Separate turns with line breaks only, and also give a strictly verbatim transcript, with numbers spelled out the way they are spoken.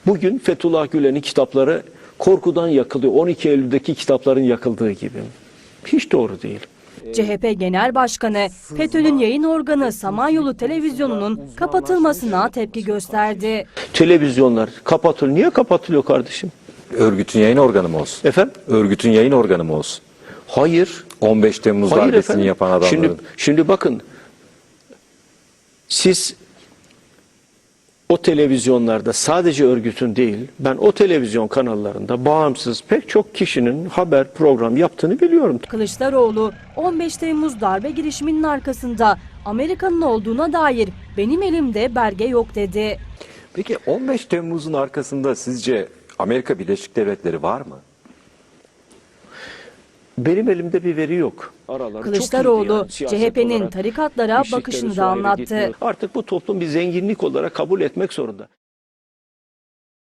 Bugün Fethullah Gülen'in kitapları korkudan yakılıyor. on iki Eylül'deki kitapların yakıldığı gibi. Hiç doğru değil.
C H P Genel Başkanı, FETÖ'nün yayın organı Samanyolu Televizyonu'nun kapatılmasına tepki gösterdi.
Televizyonlar kapatılıyor. Niye kapatılıyor kardeşim?
Örgütün yayın organı mı olsun?
Efendim?
Örgütün yayın organı mı olsun?
Hayır.
on beş Temmuz
Hayır
darbesini
efendim.
yapan adamların.
Şimdi, şimdi bakın. Siz o televizyonlarda sadece örgütün değil, ben o televizyon kanallarında bağımsız pek çok kişinin haber program yaptığını biliyorum.
Kılıçdaroğlu, on beş Temmuz darbe girişiminin arkasında Amerika'nın olduğuna dair benim elimde belge yok dedi.
Peki on beş Temmuz'un arkasında sizce Amerika Birleşik Devletleri var mı?
Benim elimde bir veri yok. Araları
Kılıçdaroğlu,
çok iyiydi yani,
C H P'nin
siyaset olarak
tarikatlara
işlikleri
bakışını da
Suriye'de
anlattı.
gitmiyor. Artık bu toplum bir zenginlik olarak kabul etmek zorunda.